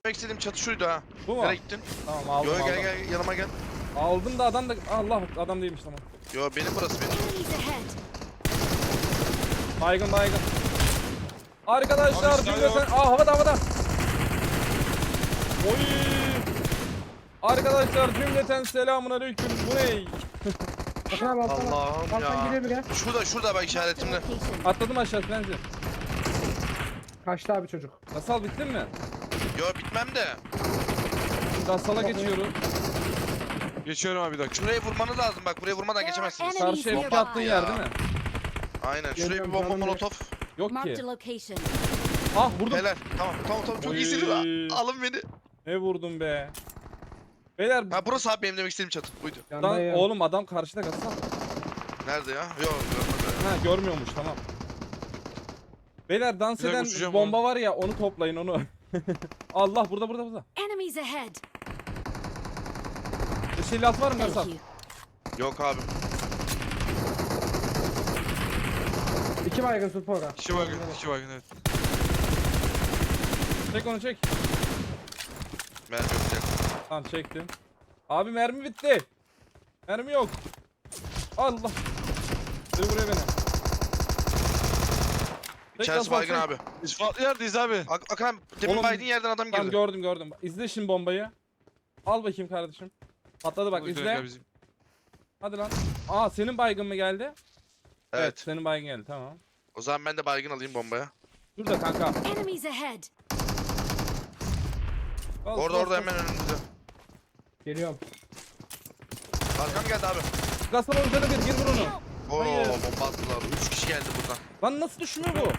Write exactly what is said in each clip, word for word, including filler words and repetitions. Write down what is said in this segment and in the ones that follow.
Demek istediğim çatı şuydu ha. Bu mu? Nereye gittin? Tamam aldım Yo aldım. gel gel yanıma gel. Aldım da adam da Allah adam değilmiş tamam. Yo benim burası benim. Enemies ahead. Baygın baygın. Arkadaşlar Abi, silah cümleten... yok. Aa havada havada. Oy. Arkadaşlar cümleten selamun aleyküm. Bu ne? Bakın abi alttan Allah'ım alttan ya. giriyor biri. Şurada şurada bak Marked a işaretimde. location. Atladım aşağı Frenzy. Kaçtı abi çocuk. Gasal bittin mi? Yo bitmem de. Gasal'a geçiyorum. Geçiyorum abi bir dakika. Şurayı vurmanız lazım bak buraya vurmadan geçemezsiniz. Enemies Karşı F nearby. attığın yer değil mi? Aynen şuraya bir Geliyorum, bomba canım molotof. Yok Marked ki. a location. Ah vurdum. Helal. Tamam tamam tamam çok Oy. iyisiniz ha. Alın beni. Ne vurdum be. Beyler Ha burası abi benim demek istediğim çatı. Buydu. lan, Yandayım. oğlum adam karşıda Gasal. Nerede ya? Yo görmedim. Ha görmüyormuş tamam. Beyler dans Bir dakika, eden uçacağım bomba var ya onu toplayın onu. Allah burada burada burada. Enemies ahead. beş elli altı var mı Thank Gasal? you. Yok abi. İki baygın spora. İki baygın, iki baygın evet. Çek onu çek. Mermi yok. tek. Tamam çektim. Abi mermi bitti. Mermi yok. Allah. Dur buraya beni. Çek İçerisi Gasal, baygın çek. abi. Biz farklı yerdeyiz abi. Ak Akran demin Oğlum, baydığın yerden adam Tamam girdi. gördüm gördüm. İzle şimdi bombayı. Al bakayım kardeşim. Patladı bak Dur, dur, izle. dur bizim. Hadi lan. Aa senin baygın mı geldi? Evet. Senin baygın geldi tamam. O zaman ben de baygın alayım bombaya. Dur da kanka. Enemies ahead. Bas, Orada bas, orada bas. hemen önümüzde. Geliyorum. Arkam geldi abi. Gasal orada bir gir vur onu. Oo Hayır. bomba attılar. Üç kişi geldi buradan. Lan nasıl düşmüyor bu?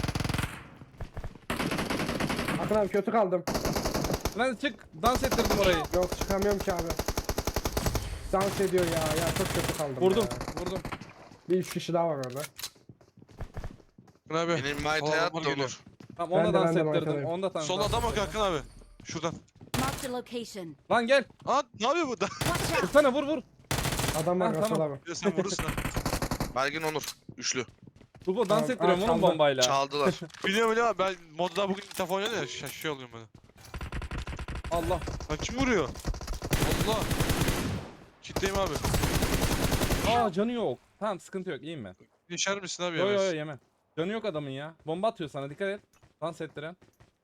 Bakın abi kötü kaldım. Lan çık dans ettirdim orayı. Yok çıkamıyorum ki abi. Dans ediyor ya. Ya çok kötü kaldım Vurdum ya. vurdum. Bir üç kişi daha var orada. Bakın abi. Benim Might Aa, hayat adamlar da geliyor. Onur. Tamam Ben onu de, da dans ben de ettirdim. markadayım. Onu da dans Solda adam bak Hakan abi. Şuradan. Marked a location. Lan gel. Aa ne yapıyor burada? Watch out. Vursana vur vur. Adam var Ha, Gasol tamam. abi. Ya sen vurursun ha. Baygın Onur. Üçlü. Bu dans Tamam, ettiriyorum aa, onun çaldı. bombayla. Çaldılar. Biliyorum biliyorum ben modda bugün ilk defa oynadım ya şaşıyor oluyorum böyle. Allah. Lan kim vuruyor? Allah. Kitleyim abi. Aa canı yok. Tamam sıkıntı yok iyiyim ben. Yaşar mısın abi Yo yo yo yemez? yemem. Canı yok adamın ya. Bomba atıyor sana dikkat et. Dans ettiren.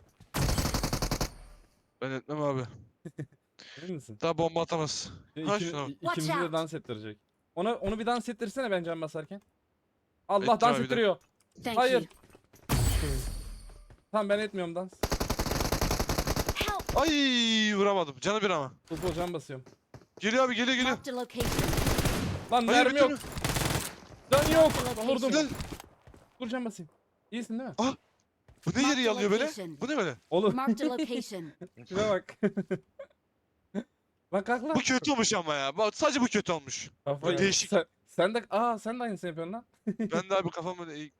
Ben etmem abi. Emin misin? Daha bomba atamaz. Ha İkini, şuna bak. i- ikimizi de out. dans ettirecek. Ona onu bir dans ettirsene ben can basarken. Allah Ettir dans abi de. ettiriyor. Thank Hayır. you. Tamam ben etmiyorum dans. Help. Ay vuramadım. Canı bir ama. Futbol can basıyorum. Geliyor abi geliyor geliyor. Marked a location. Lan Hayır, mermi yok. bitirme. Can yok. Marked a Vurdum. location. Güzel. Dur can basayım. İyisin değil mi? Bu ne yeri yalıyor böyle? location. Bu ne böyle? Oğlum. Marked a location. Şuna bak. Lan kalk lan. Bu kötü olmuş ama ya. Bak, sadece bu kötü olmuş. Kafayı- değişik. Sen, sen de aa sen de aynısını yapıyorsun lan. Ben de abi kafam böyle eğik.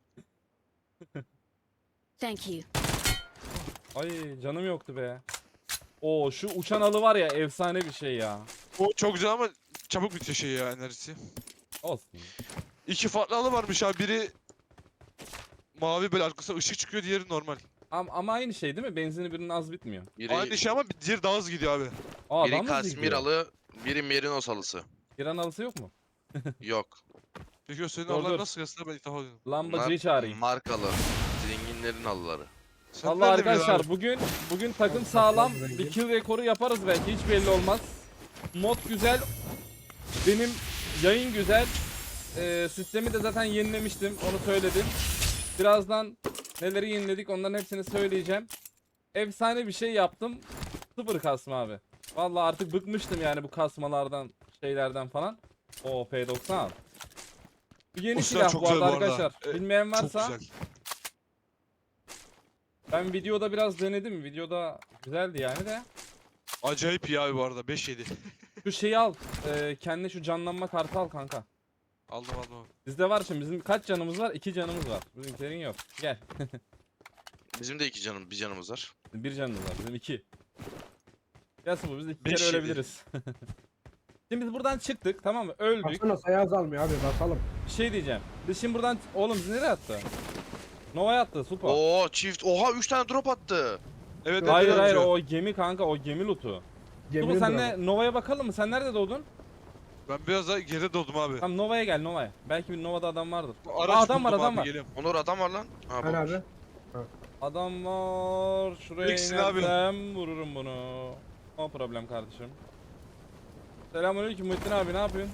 Thank you. Ay canım yoktu be. Oo şu uçan alı var ya efsane bir şey ya. O çok güzel ama çabuk bitiyor şey ya enerjisi. Olsun. İki farklı alı varmış abi. Biri mavi böyle arkasına ışık çıkıyor, diğeri normal. Ama, ama aynı şey değil mi? Benzini birinin az bitmiyor. Biri, Aynı şey ama diğeri daha hızlı gidiyor abi. Aa biri adam mı Kasmir gidiyor? alı, biri Merinos alısı. İran alısı yok mu? Yok. Peki o senin Dur, oralar dur. nasıl gelsin ben ilk defa duydum. Lambacıyı çağırayım. Markalı. Zenginlerin alıları. Sen Allah nerede biliyorsun arkadaşlar abi? bugün bugün takım sağlam Zengin. bir kill rekoru yaparız belki hiç belli olmaz. Mod güzel. Benim yayın güzel. Ee, sistemi de zaten yenilemiştim onu söyledim. Birazdan neleri yeniledik onların hepsini söyleyeceğim. Efsane bir şey yaptım. Sıfır kasma abi. Vallahi artık bıkmıştım yani bu kasmalardan şeylerden falan. O P doksan. Bu yeni O silah silah çok bu arada güzel bu arada. arkadaşlar. E, Bilmeyen Çok varsa güzel. ben videoda biraz denedim. Videoda güzeldi yani de. Acayip iyi abi bu arada. beş yedi. Şu şeyi al. E, kendi şu canlanma kartı al kanka. Aldım aldım abi. Bizde var şimdi. Bizim kaç canımız var? İki canımız var. Bizimkilerin yok. Gel. Bizim de iki canım, bir canımız var. Bir canımız var. Bizim iki. Nasıl bu? Biz iki Beş kere yedi. ölebiliriz. Şimdi biz buradan çıktık tamam mı? Öldük. Baksana sayı azalmıyor abi basalım. Bir şey diyeceğim. Biz şimdi buradan... Oğlum bizi nereye attı? Nova'ya attı. Super. Oo çift. Oha üç tane drop attı. Evet, Hayır evet, hayır evet. o gemi kanka, o gemi lootu. Geminin Dur duramı. senle Nova'ya bakalım mı? Sen nerede doğdun? Ben biraz daha geride doğdum abi. Tamam Nova'ya gel, Nova'ya. Belki bir Nova'da adam vardır. Araç Aa, adam var, buldum adam abi, var. geliyorum. Onur adam var lan. Ha, Hani bakmış. abi? Adam var. Şuraya Teksin abi. inersem vururum bunu. No problem kardeşim. Selamünaleyküm Muhittin abi, ne yapıyorsun?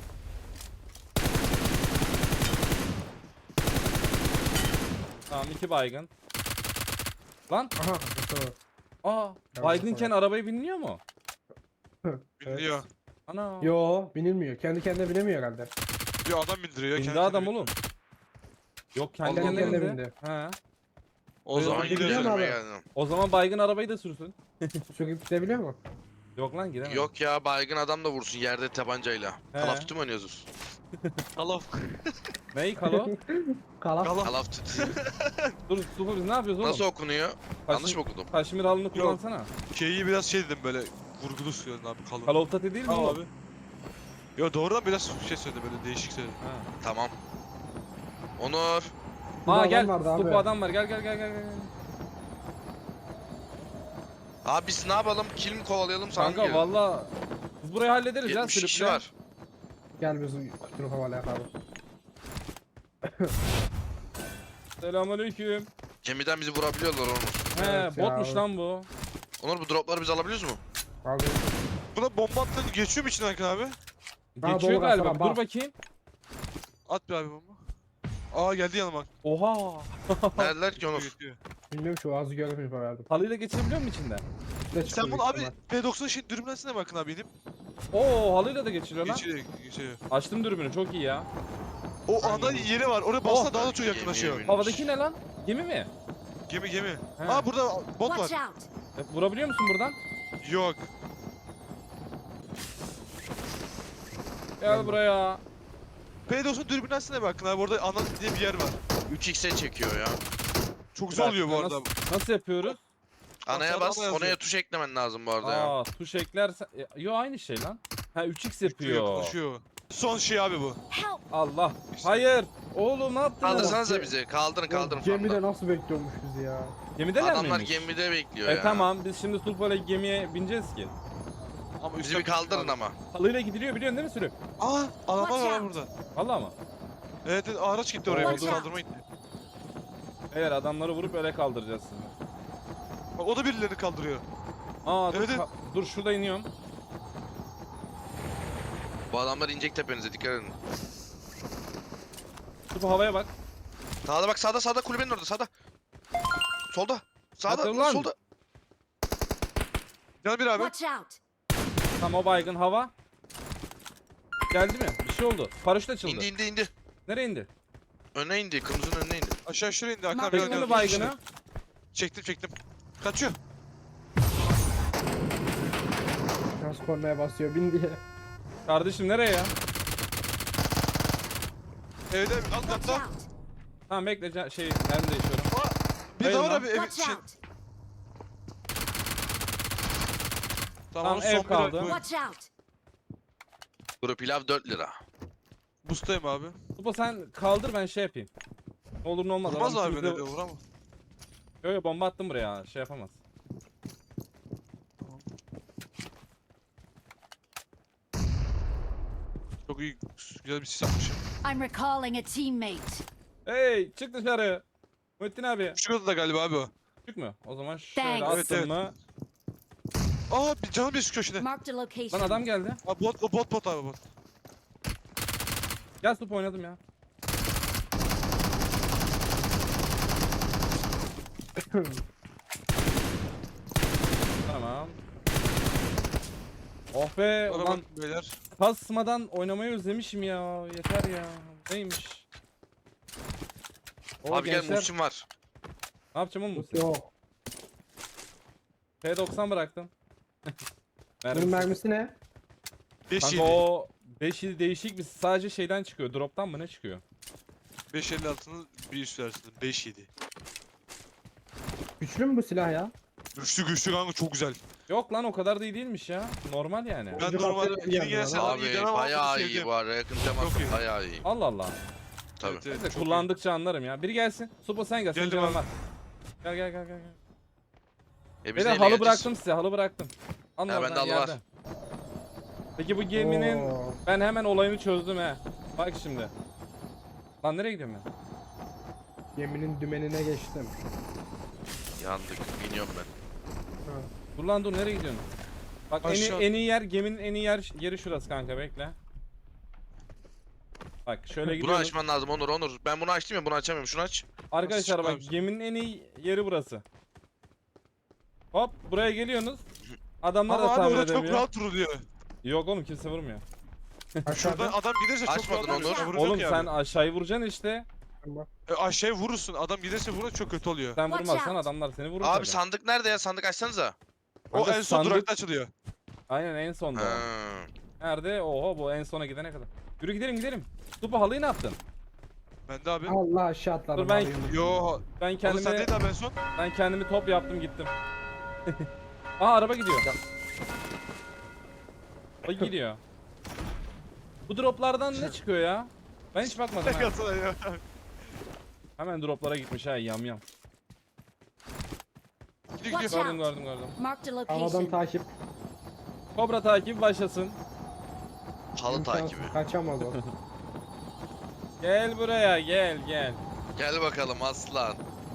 Tamam, iki baygın. Lan, Aha. Mustafa. aa, Tamam, baygınken tamam. arabayı biniliyor mu? Bindiriyor. Ana. Yo binilmiyor. Kendi kendine binemiyor herhalde. Bir adam bindiriyor. Bindi kendi adam kendine. oğlum. Yok, kendi Allah kendine Allah. bindi. Bindi. He. O zaman Öyle gidiyor mu gidiyorum abi? geldim. O zaman baygın arabayı da sürsün. Sürüp gidebiliyor mu? Yok lan, giremez. Yok ya, baygın adam da vursun yerde tabancayla. He. Call of Duty mi oynuyoruz? Allah. Neyi kalo? Kala. Allah. Call of Duty. Dur, dur biz ne yapıyoruz oğlum? Nasıl okunuyor? Yanlış mı okudum? Kaşmir halını kullansana. K'yi biraz şey dedim böyle vurgulu söyledin abi kalın. Call of Duty değil mi Tamam o? abi. Yo doğrudan biraz şey söyledi böyle değişik söyledi. Ha. Tamam. Onur. Burada Aa adam gel, vardı abi. Stupu adam var, gel gel gel gel. gel. Abi biz ne yapalım? Kill mi kovalayalım sana mı Kanka gelelim? valla biz burayı hallederiz ya yetmiş kişi sürüple. var. Gel biz şunu havalayak abi. Selamünaleyküm. Gemiden bizi vurabiliyorlar Onur. He, Evet ya. botmuş lan bu. Onur bu dropları biz alabiliyoruz mu? Abi. Buna bomba attın geçiyor mu içinden Hakan abi? Ha, Geçiyor dolu galiba. galiba, Dur bak. bakayım. At bir abi bomba. Aa geldi yanıma. Oha. Neredeler ki Onur? Geçiyor. Bilmiyorum şu ağzı görmüyor herhalde. Halıyla geçebiliyor musun içinden? Üste çıktı Sen bunu büyük abi ihtimal. P doksan şey dürbünlensene bakın abi inip. Oo, halıyla da geçiriyor lan. Geçiyor geçiyor. Açtım dürbünü, çok iyi ya. O ana yeri var oraya basla Oh. daha da çok Gemi, yakınlaşıyor. gemi. Havadaki ne lan? Gemi mi? Gemi gemi. He. Aa burada bot Watch var. out! E, vurabiliyor musun buradan? Yok. Gel buraya. P doksan dürbünlensene bakın abi orada ana diye bir yer var. üç x'e çekiyor ya. Çok Bir güzel oluyor bu dakika, arada. Nasıl, nasıl yapıyoruz? Anaya Ana bas, yazıyor. onaya tuş eklemen lazım bu arada ya. Aa, tuş eklersen... E, Yo, aynı şey lan. Ha, üç x yapıyor. Yaklaşıyor. Son şey abi bu. Help! Allah. İşte. Hayır. Oğlum ne yaptın? Kaldırsanıza bizi, kaldırın kaldırın Gemide falan. nasıl bekliyormuş bizi ya? Gemideler Adamlar miymiş? gemide bekliyor E ya. tamam, biz şimdi Sulpa'yla gemiye bineceğiz ki. Ama Bizi bir kaldırın ama. Halıyla gidiliyor, biliyorsun değil mi sürü? Aa adamlar Watch var out. burada. Vallahi mı? Evet, evet araç gitti oraya. Watch Burada out. kaldırma gitti. Eğer adamları vurup öyle kaldıracağız sizi. Bak, o da birilerini kaldırıyor. Aa dur, Evet, evet. ka- dur şurada iniyorum. Bu adamlar inecek tepenize, dikkat edin. Sulpa havaya bak. Sağda bak, sağda sağda, kulübenin orada, sağda. Solda. Sağda, Hadi lan. solda. Gel bir abi. Watch out! Tam o baygın hava. Geldi mi? Bir şey oldu. Paraşüt açıldı. İndi indi indi. Nereye indi? Öne indi, kırmızının önüne indi. Aşağı şuraya indi. Hakan Bak, abi. Çektin gel, mi gel. baygını? Çektim çektim. Kaçıyor. Nasıl kornaya basıyor bin diye. Kardeşim nereye ya? Evde alt Watch katta. out! Tamam bekle, ca- şey yerini değişiyorum. Bir Hayır daha var lan. abi. Ev, Watch şey. out! Tamam, son ev bir kaldı. abi. Watch out! Kuru pilav dört lira. Bustayım abi. Sulpa sen kaldır, ben şey yapayım. Ne olur ne olmaz. Vurmaz adam abi üstümüzde- böyle vur ama. Yo yo, bomba attım buraya, şey yapamaz. Çok iyi. Güzel bir sis atmışım. I'm recalling a teammate. Hey, çık dışarı. Muhittin abi. Küçük odada galiba abi o. Çık mı? O zaman şöyle Thanks. attım Evet, evet. mı? Aa bir canım bir şu köşede. Marked a Lan location. adam geldi. Aa bot o bot bot abi bot. Gel Sulpa, oynadım ya. Tamam. Oh be, Bana ulan bak beyler. kasmadan oynamayı özlemişim ya. Yeter ya. Neymiş? O Abi gel, gençler, Muhsin var. ne yapacağım oğlum? Yok. P doksan bıraktım. Bunun Mermisi. mermisi ne? beş Kanka yedi. o beş yıl değişik bir, sadece şeyden çıkıyor. Drop'tan mı ne çıkıyor? beş elli altının bir üst versiyonu. beş yedi. Güçlü mü bu silah ya? Güçlü güçlü kanka çok güzel. Yok lan, o kadar da iyi değilmiş ya. Normal yani. Ben Önce normal bakteri yeni geldi gelse bana. Abi iyi ama bayağı altını iyi sevdim. bu arada, yakın Çok temasla iyi. bayağı iyi. Allah Allah. Tabii. Evet, evet, Neyse, çok iyi. kullandıkça anlarım ya. Biri gelsin. Supo sen gel. Senin Geldim canın abi. var. Gel gel gel gel. gel. E biz Beyler neyle halı geleceğiz? bıraktım size, halı bıraktım. Alın Ha, oradan bende halı var. yerden. Peki bu geminin Oo. ben hemen olayını çözdüm he. Bak şimdi. Lan nereye gidiyorum ben? Geminin dümenine geçtim. Yandık. Biniyorum ben. Ha. Dur lan dur, nereye gidiyorsun? Bak en iyi, Aşağı. en iyi yer, geminin en iyi yer yeri şurası kanka, bekle. Bak şöyle Bunu gidiyoruz. açman lazım Onur Onur. Ben bunu açtım ya, bunu açamıyorum. Şunu aç. Arkadaşlar bak, çıkmaz? geminin en iyi yeri burası. Hop buraya geliyorsunuz. Adamlar da Ama abi tahmin orada çok edemiyor. rahat vuruluyor. Yok oğlum, kimse vurmuyor. Şuradan Aşağıda. adam giderse çok Açmadın rahat vuruluyor. Onur. Vuracak Oğlum yani. sen aşağıyı vuracaksın işte. E, aşağıya vurursun. Adam giderse vurur çok kötü oluyor. Sen Watch vurmazsan out. adamlar seni vurur. Abi tabii. sandık nerede ya? Sandık açsanıza. O Kanka en son sandık- durakta açılıyor. Aynen en sonda. o. Ha. Nerede? Oho, bu en sona gidene kadar. Yürü gidelim gidelim. Tupa halıyı ne yaptın? Ben de abi. Allah aşağı atladım. Dur ben- alayım. Yo. Ben Oğlum kendimi sendeydi abi en son. ben kendimi top yaptım gittim. Aa araba gidiyor. O gidiyor. Bu droplardan ne çıkıyor ya? Ben hiç bakmadım ha. Yakasana ya. Hemen droplara gitmiş ha, yam yam. Gidiyor Watch gidiyor. Gördüm gördüm gördüm. Marked a Havadan location. takip. Kobra takibi başlasın. Halı İmkansız, takibi. Kaçamaz o. Gel buraya, gel gel. Gel bakalım aslan.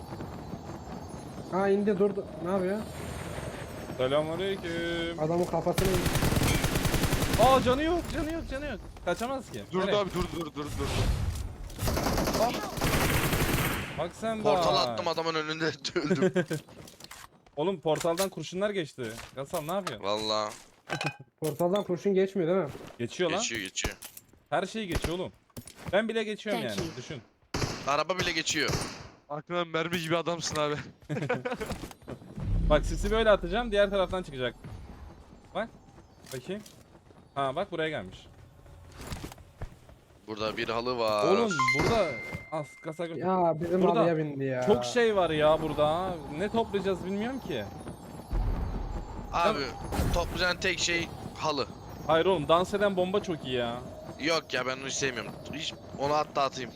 Ha indi durdu. Ne yapıyor? Selamünaleyküm. Adamın kafasını indi. Aa canı yok, canı yok, canı yok. Kaçamaz ki. Durdu Nereye? abi durdu durdu durdu. durdu. Bak sen Portal bak. attım adamın önünde öldüm. Oğlum portaldan kurşunlar geçti. Gasal ne yapıyor? Valla. Portaldan kurşun geçmiyor değil mi? Geçiyor lan. Geçiyor geçiyor. Her şey geçiyor oğlum. Ben bile geçiyorum Thank yani. you. Düşün. Araba bile geçiyor. Aklına mermi gibi adamsın abi. Bak sisi böyle atacağım, diğer taraftan çıkacak. Bak. Bakayım. Ha bak buraya gelmiş. Burada bir halı var. Oğlum burada as kasa Ya bizim Burada halıya bindi ya. çok şey var ya burada. Ne toplayacağız bilmiyorum ki. Abi toplayacağın tek şey halı. Hayır oğlum, dans eden bomba çok iyi ya. Yok ya ben onu hiç sevmiyorum. Hiç onu hatta atayım.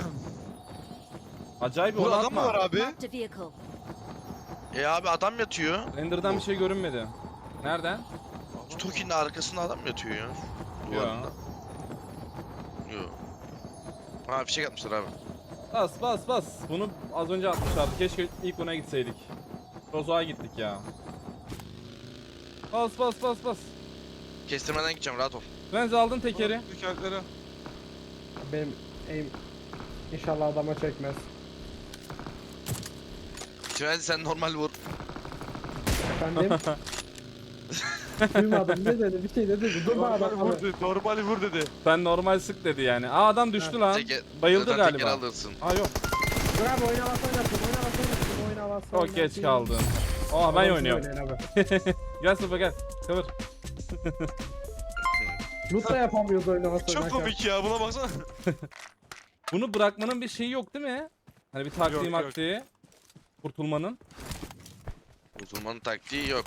Acayip Burada onu adam mı var atma. abi? Marked a vehicle. E abi adam yatıyor. Ender'dan bir şey görünmedi. Nereden? Toki'nin arkasında adam yatıyor ya. Duvarında. Yok. Ha fişek atmışlar abi. Bas bas bas. Bunu az önce atmışlardı. Keşke ilk buna gitseydik. Rozo'ya gittik ya. Bas bas bas bas. Kestirmeden gideceğim rahat ol. Renzi aldın tekeri. Tekerlere. Benim aim inşallah adama çekmez. Şimdi sen normal vur. Efendim? Duymadım ne dedi bir şey dedi. Dur bana Normal bak. vur dedi. Normal vur dedi. Sen normal sık dedi yani. Aa adam düştü lan. Teke- Bayıldı zaten teker galiba. alırsın. Aa yok. Dur abi oyna havası oynatın. Oyna havası oynatın. Oyna havası Çok oynatın. geç kaldın. Aa ben Havasını oynuyorum. oynayın abi. Gel Sıfa gel. Kıvır. Loot da yapamıyoruz oyna havası Çok oynarken. komik ya buna baksana. Bunu bırakmanın bir şeyi yok değil mi? Hani bir taktiği Yok, yok. maktiği. Kurtulmanın. Uzunmanın taktiği yok.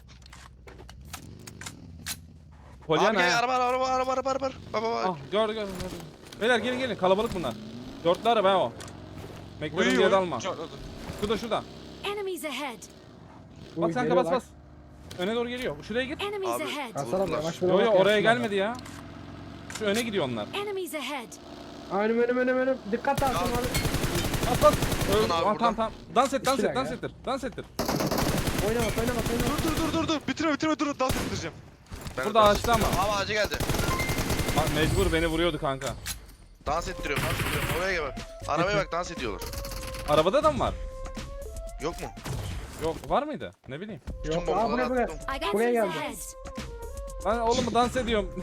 Abi Polyana. gel ha. araba araba araba araba araba. Baba bak. Ah gör gör. gör. Beyler gelin gelin, kalabalık bunlar. Dörtlü araba o. McLaren diye dalma. Çatladı. Şurada şurada. Enemies ahead. Bu Bak sen geliyor bas lan. bas. Öne doğru geliyor. Şuraya git. Enemies Abi. ahead. Hasan abi Vurdular. yavaş Yo yo bak, oraya yapma. gelmedi ya. Şu öne gidiyor onlar. Enemies ahead. Önüm önüm önüm önüm. Dikkat et Hasan Ya. abi. Bas bas. Öl- Vurdun abi Aa, tamam buradan. tamam. Dans et dans İki et dans dakika. ettir. Dans ettir. Oyna bak oyna bak oyna bak. Dur dur dur dur dur. Bitirme bitirme dur. Dans ettireceğim. Ben Burada dans ağaçta ama. ettiriyorum. Abi ağacı geldi. Bak mecbur beni vuruyordu kanka. Dans ettiriyorum dans ettiriyorum. Oraya gel bak. Arabaya bak dans ediyorlar. Arabada da mı var? Yok mu? Yok var mıydı? Ne bileyim. Bütün Yok abi bombaları buraya buraya. attım. I got Buraya enemies geldi. ahead. Ben oğlum dans ediyorum.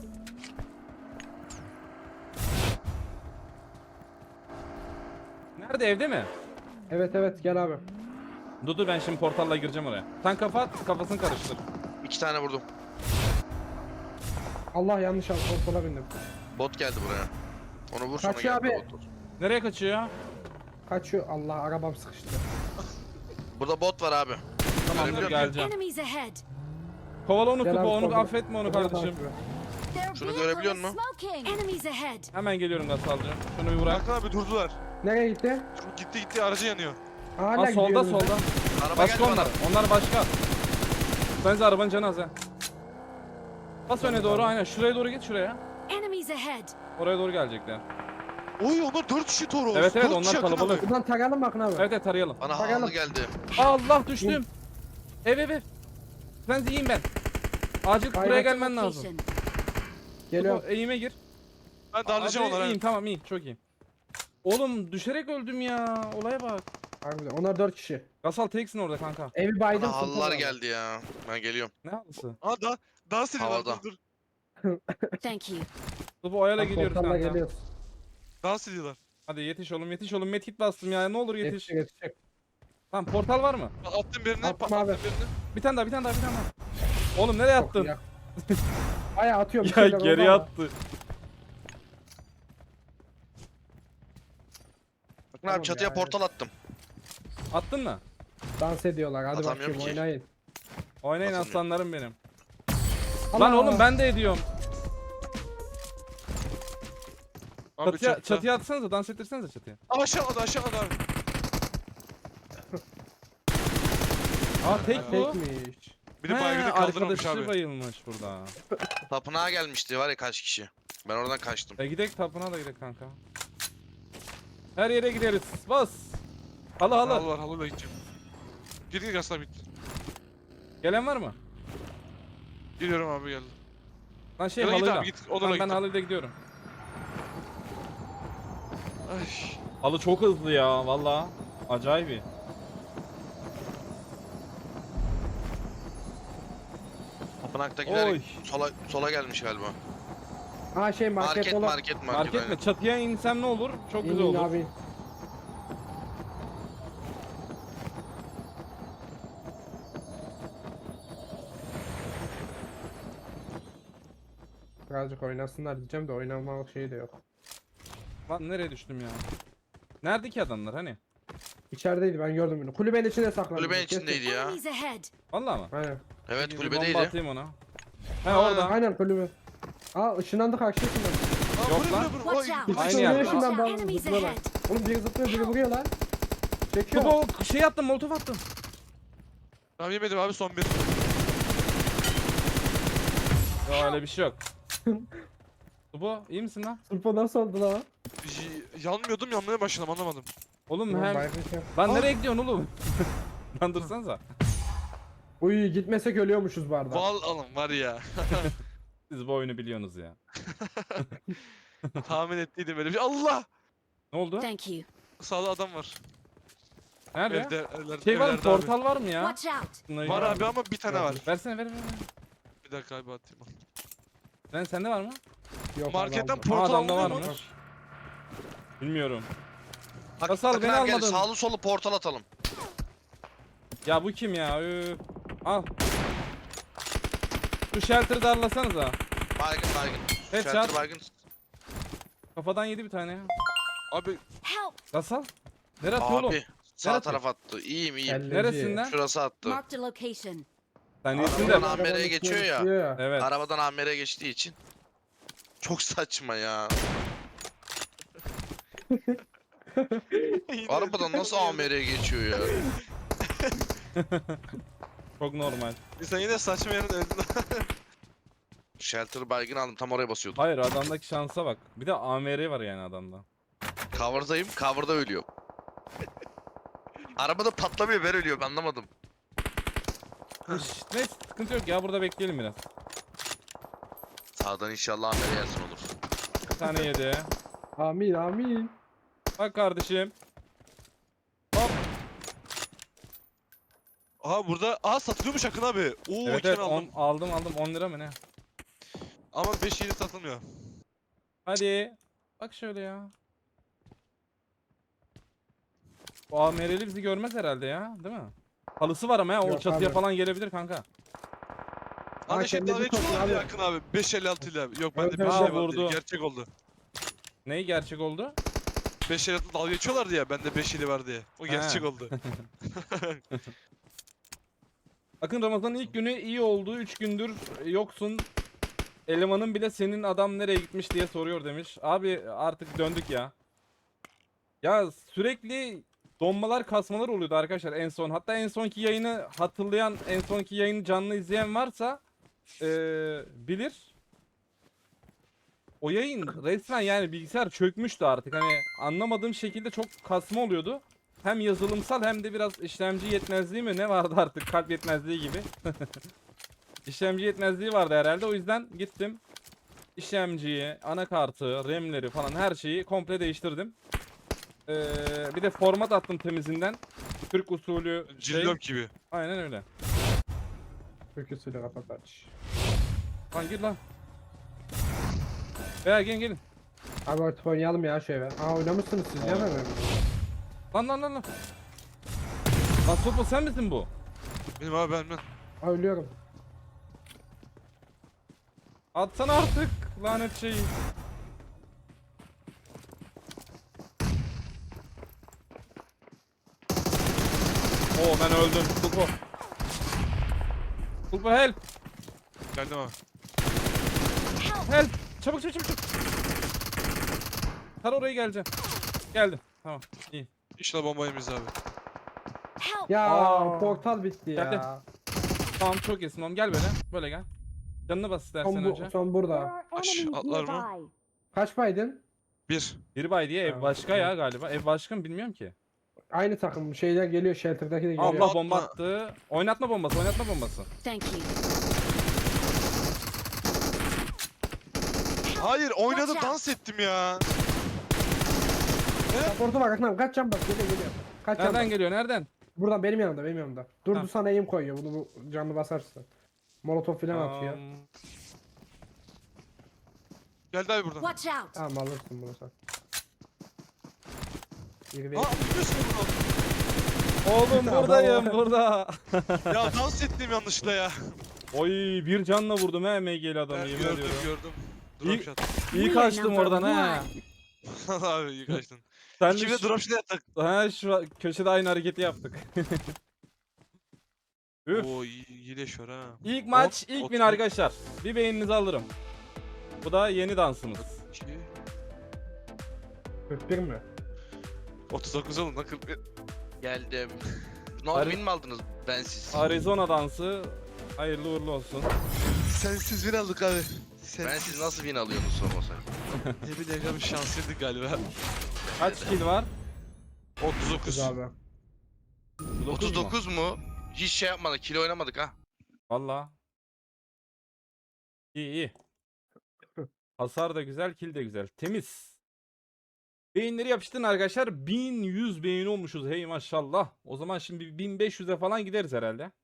Nerede, evde mi? Evet evet gel abi. Dur dur ben şimdi portalla gireceğim oraya. Sen kafa at, kafasını karıştır. İki tane vurdum. Allah yanlış aldı. Portala bindim. Bot geldi buraya. Onu vur sonra Kaçıyor geldi abi. bot. Nereye kaçıyor ya? Kaçıyor. Allah arabam sıkıştı. Burada bot var abi. Tamam dur Görebiliyor musun? geleceğim. Enemies ahead. Kovala onu Gel kupa, abi, onu portala. affetme onu Portala kardeşim. takip et. Their Şunu vehicle görebiliyor is musun? smoking. Enemies ahead. Hemen geliyorum Gasalcı. Şunu bir bırak. Hakan abi durdular. Nereye gitti? Gitti gitti aracı yanıyor. Hala Ha gidiyor solda önümüzde. solda. Araba Başka geldi onlar. bana. Onlar başka. Bence arabanın canı az ha. Bas öne doğru aynen. Şuraya doğru git şuraya. Enemies ahead. Oraya doğru gelecekler. Oy onlar dört kişi Toros. Evet, evet, Dört onlar kişi Akın kalabalık. abi. Buradan tarayalım bakın abi. Evet evet arayalım. Bana Bakalım. havalı geldi. Allah düştüm. Ev ev ev. Ben iyiyim ben. Acil buraya Aynen. gelmen lazım. Location. Geliyorum. Bu eğime gir. Ben darlayacağım Hadi, onları. iyiyim tamam iyiyim çok iyiyim. Oğlum düşerek öldüm ya. Olaya bak. Harbiden. Onlar dört kişi. Gasal teksin orada kanka. Evi baydım. Bana halılar sultan abi. geldi ya. Ben geliyorum. Ne halısı? Aa da dans ediyorlar. Havada. Dur dur. Thank you. Bu oyala Tam gidiyoruz portalla kanka. geliyoruz. Dans ediyorlar. Hadi yetiş oğlum yetiş oğlum. Medkit bastım ya. Ne olur yetiş. Yetişecek yetişecek. Tamam portal var mı? Bak, attım birini. Attım Attım abi. birini. Bir tane daha bir tane daha bir tane daha. Oğlum nereye Çok attın? iyi ya. Bayağı atıyorum. bir Ya şeyler geriye oldu ama. attı. Bakın Tamam abi çatıya ya, portal attım. Attın mı? Dans ediyorlar. Hadi Atamıyorum bakayım ki. oynayın. Oynayın Atılmıyor. aslanlarım benim. Allah Lan oğlum Allah. ben de ediyorum. Abi Çatıya, çatıda. çatıya atsanıza dans ettirsenize çatıya. Aşağı at aşağı at abi. Aa tek bu. Tekmiş. Biri He, baygını kaldırmamış arkadaşı abi. bayılmış burada. Tapınağa gelmişti var ya kaç kişi. Ben oradan kaçtım. E gidek tapına da gidek kanka. Her yere gideriz. Bas. Halı halı. Halı var halıyla gideceğim. Gir gir gasla bit. Gelen var mı? Geliyorum abi geldi. Lan şey Ya da git halıyla. abi, git, odana Lan ben git. halıyla gidiyorum. Ay. Halı çok hızlı ya valla. Acayip iyi. Tapınaktakiler Oy. sola, sola gelmiş galiba. Ha şey market, Market olan. market market. Fark etme aynen. çatıya insem ne olur? Çok güzel İn olur. abi. Birazcık oynasınlar diyeceğim de oynamalık şey de yok. Lan nereye düştüm ya? Nerede ki adamlar hani? İçerideydi ben gördüm bunu. Kulübenin içine saklandı. Kulübenin içindeydi ya. Enemies ahead. Valla mı? Aynen. Evet Bir kulübedeydi. Bomba atayım ona. He orada. Aynen kulübe. Aa ışınlandı karşı ışınlandı. Aa, Yok buraya, lan. buraya, buraya. Watch Oy, out. Aynı İkisi yerde. de ışından Watch out. bağlı Enemies zıplıyorlar. ahead. Oğlum biri zıplıyor biri vuruyor lan. Çekiyor. Bu şey attım molotof attım. Tamam yemedim abi son bir. Ya öyle bir şey yok. Bu iyi misin lan? Sırpa nasıl oldu lan? Y- Yanmıyordum yanmaya başladım anlamadım. Oğlum Ulan hem... baygın şey. Lan Aa. nereye gidiyorsun oğlum? Lan dursanıza. Uy gitmesek ölüyormuşuz bu arada. Val alın var ya. Siz bu oyunu biliyorsunuz ya. Tahmin ettiydim böyle bir şey. Allah! Ne oldu? Thank you. Sağda adam var. Nerede? Evde, evler, Şey var mı? evlerde abi. Portal var mı ya? Watch out. Bunları Var gör- abi ama bir tane var. Versene ver ver ver. Bir dakika abi atayım. Lan sende var mı? Yok, Marketten aldım. Aa portal adamda alınıyor mu? varmış. Bilmiyorum. Bak, Kasal, bakın beni abi gel, almadın. sağlı solu portal atalım. Ya bu kim ya? Üf. Al. Şu shelter'ı darlasanıza. Baygın baygın. Headshot. Shelter baygın. Kafadan yedi bir tane ya. Abi Help. Nasıl? Nereye atıyor oğlum? Abi sağ Neresi? taraf attı. İyiyim iyiyim. Kelleci. Neresinden? Şurası attı. Marked a location. Sen iyisin Arabadan de. Amer'e Arabanın geçiyor üstüne ya. düşüyor Evet. Arabadan Amer'e geçtiği için. Çok saçma ya. yine- Arabadan nasıl Amer'e geçiyor ya? Çok normal. Sen yine saçma yerine öldün. Shelter baygın aldım tam oraya basıyordum. Hayır adamdaki şansa bak. Bir de A M R var yani adamda. Cover'dayım cover'da ölüyorum. Arabada patlamıyor ben ölüyorum anlamadım. Üş, neyse sıkıntı yok ya burada bekleyelim biraz. Sağdan inşallah Amer'e yersin olur. Bir tane yedi. Amin amin. Bak kardeşim. Hop. Aha burada aha satılıyormuş Akın abi. Oo Evet iki evet tane aldım. on, aldım aldım on lira mı ne? Ama beş yedi satılmıyor. Hadi. Bak şöyle ya. Bu A M R'li bizi görmez herhalde ya değil mi? Halısı var ama ya o Yok çatıya abi. falan gelebilir kanka. Hani şey kendisi dalga geçiyorlar satın ya abi. Akın abi. beş elli altı ile. Yok bende Evet, beş evet. şey Aa, var vurdu. diye. Gerçek oldu. Neyi gerçek oldu? beş elli altı dalga geçiyorlardı ya. Bende beş eli var diye. O gerçek He. oldu. Bakın Ramazan'ın ilk günü iyi oldu. üç gündür yoksun. Elemanın bile senin adam nereye gitmiş diye soruyor demiş. Abi artık döndük ya. Ya sürekli donmalar kasmalar oluyordu arkadaşlar en son. Hatta en sonki yayını hatırlayan, en sonki yayını canlı izleyen varsa eee, bilir. O yayın resmen yani bilgisayar çökmüştü artık. Hani anlamadığım şekilde çok kasma oluyordu. Hem yazılımsal hem de biraz işlemci yetmezliği mi ne vardı artık, kalp yetmezliği gibi. İşlemci yetmezliği vardı herhalde. O yüzden gittim. İşlemciyi, anakartı, RAM'leri falan her şeyi komple değiştirdim. Ee, bir de format attım temizinden. Türk usulü şey. Cillop gibi. Aynen öyle. Öyküsüyle kapat aç. Lan gir lan. Veya gelin gelin. Abi artık oynayalım ya şu eve. Aa oynamışsınız siz değil mi? Lan lan lan lan. Lan Sopo sen misin bu? Benim abi ben ben. Aa ölüyorum. Atsana artık lanet şeyi. Oo ben öldüm. Sopo. Sopo help. Geldim abi. Help. Çabuk çabuk çabuk. çabuk. Tar oraya geleceğim. Geldim. Tamam. İyi. İnşallah bomba yemiz abi. Help! Ya Aa. portal bitti Geldi. ya. Tamam çok iyisin oğlum. Gel böyle. Böyle gel. Canını bas istersen Son, bu, önce. son burada. Aş, atlar mı? Kaç baydın? Bir. Bir bay diye ev Tamam. başka ya galiba. Ev başka mı bilmiyorum ki. Aynı takım şeyler geliyor, shelter'daki de geliyor. Allah bomba Atma. attı. Oynatma bombası, oynatma bombası. Thank you. Hayır oynadım Watch out. dans ettim ya. Raportu var Aknam, kaç can bak geliyor geliyor. Kaç can Nereden bak. geliyor? Nereden? Buradan benim yanımda, benim yanımda. Durdu Tamam. sana aim koyuyor, bunu bu canlı basarsın. Molotov filan atıyor. Am, Geldi abi buradan. Watch out! Tamam alırsın bunu sen. Bir ve Aa biliyorsun bunu. Oğlum buradayım burada. Ya dans ettim yanlışlıkla ya. Oy bir canla vurdum he M G'li adamı Ben yemin gördüm ediyorum. gördüm. İyi- Drop shot. İyi We are kaçtım number oradan one. ha. abi iyi kaçtın. Sen de İkimiz de şu, drop shot yaptık. ha, şu köşede aynı hareketi yaptık. Üf. Oo iyi, iyileşiyor ha. İlk maç On, ilk otuz, win arkadaşlar. Bir beğeninizi alırım. Bu da yeni dansımız. iki, kırk bir mi? otuz dokuz olun lan kırk bir. Geldim. Ne Ari- oldu win mi aldınız bensiz? Arizona dansı. Hayırlı uğurlu olsun. Sensiz bir aldık abi. Bensiz nasıl win alıyorsunuz sormasak? Ne bileyim abi şanslıydık galiba. Kaç kill var? otuz dokuz. Kız abi. dokuz mu? otuz dokuz mu? Hiç şey yapmadık, kill oynamadık ha. Valla. İyi iyi. Hasar da güzel, kill de güzel. Temiz. Beğenileri yapıştırın arkadaşlar. bin yüz beğeni olmuşuz. Hey maşallah. O zaman şimdi bin beş yüze falan gideriz herhalde.